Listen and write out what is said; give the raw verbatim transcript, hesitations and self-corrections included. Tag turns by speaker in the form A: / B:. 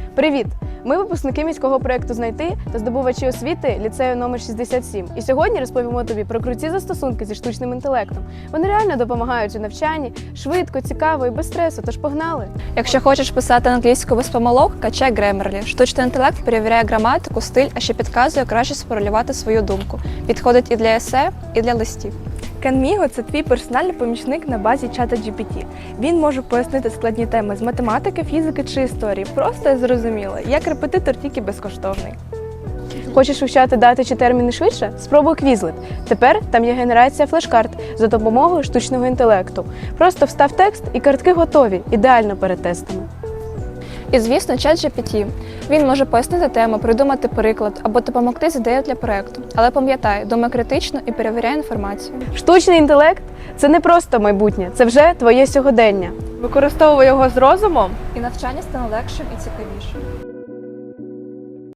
A: Привіт! Ми випускники міського проєкту «Знайти» та здобувачі освіти ліцею номер шістдесят сім. І сьогодні розповімо тобі про круті застосунки зі штучним інтелектом. Вони реально допомагають у навчанні, швидко, цікаво і без стресу, тож погнали!
B: Якщо хочеш писати англійську без помилок, качай Grammarly. Штучний інтелект перевіряє граматику, стиль, а ще підказує, як краще сформулювати свою думку. Підходить і для есе, і для листів.
C: Canmigo – це твій персональний помічник на базі чата джі пі ті. Він може пояснити складні теми з математики, фізики чи історії. Просто і зрозуміло, як репетитор, тільки безкоштовний.
A: Хочеш вивчати дати чи терміни швидше? Спробуй Quizlet. Тепер там є генерація флеш-карт за допомогою штучного інтелекту. Просто встав текст і картки готові, ідеально перед тестами.
B: І, звісно, чат джі пі ті. Він може пояснити тему, придумати приклад або допомогти з ідеєю для проєкту. Але пам'ятай, думай критично і перевіряй інформацію.
A: Штучний інтелект – це не просто майбутнє, це вже твоє сьогодення.
C: Використовуй його з розумом.
B: І навчання стане легшим і цікавішим.